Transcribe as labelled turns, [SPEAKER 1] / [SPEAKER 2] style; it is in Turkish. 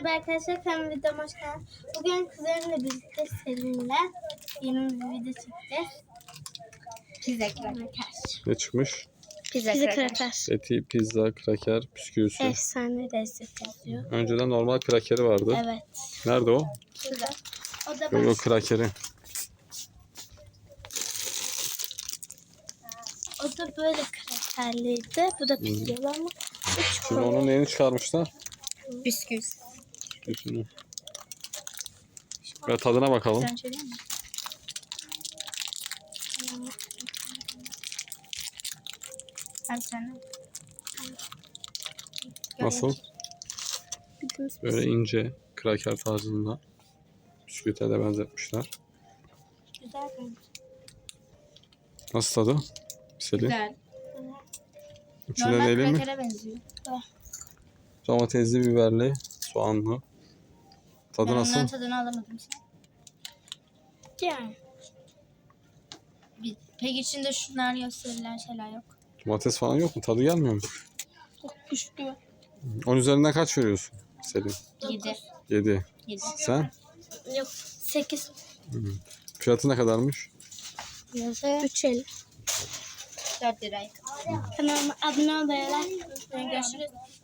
[SPEAKER 1] Merhaba arkadaşlar, kanalıma videoma hoş geldiniz. Bugün kuzenimle birlikte seninle yeni bir video çekeceğiz. Pizza kraker.
[SPEAKER 2] Ne çıkmış?
[SPEAKER 1] Pizza kraker.
[SPEAKER 2] Eti, pizza, kraker, bisküvisi.
[SPEAKER 1] Efsane lezzet yazıyor.
[SPEAKER 2] Önceden normal krakeri vardı.
[SPEAKER 1] Evet.
[SPEAKER 2] Nerede o?
[SPEAKER 1] Güzel. O da
[SPEAKER 2] Yok krakeri.
[SPEAKER 1] O da böyle krakerliydi. Bu da pizza ama
[SPEAKER 2] Şimdi onun neyini çıkarmışlar?
[SPEAKER 1] bisküvi.
[SPEAKER 2] Bisküvisini. Ve tadına bakalım.
[SPEAKER 1] Sen söyleyeyim mi? Hadi sen.
[SPEAKER 2] Nasıl? Böyle ince, kraker tarzında. Bisküvite de benzetmişler.
[SPEAKER 1] Güzel bence.
[SPEAKER 2] Nasıl tadı? Selin.
[SPEAKER 1] Güzel.
[SPEAKER 2] İçinde
[SPEAKER 1] Normal
[SPEAKER 2] neyli mi?
[SPEAKER 1] krakere benziyor.
[SPEAKER 2] Domatesli, biberli, soğanlı. Tadı
[SPEAKER 1] Ben
[SPEAKER 2] nasıl?
[SPEAKER 1] ondan tadını alamadım sen. Yani. Peki içinde şunlar gösterilen şeyler yok.
[SPEAKER 2] Domates falan yok mu? Tadı gelmiyor mu?
[SPEAKER 1] Kuşku.
[SPEAKER 2] 10 üzerinden kaç veriyorsun Selin?
[SPEAKER 1] 7.
[SPEAKER 2] 7.
[SPEAKER 1] 7.
[SPEAKER 2] Sen?
[SPEAKER 1] Yok 8.
[SPEAKER 2] Fiyatı ne kadarmış?
[SPEAKER 1] 3.50. 4 liraydı. Kanalıma abone olmayı, like, görüşürüz.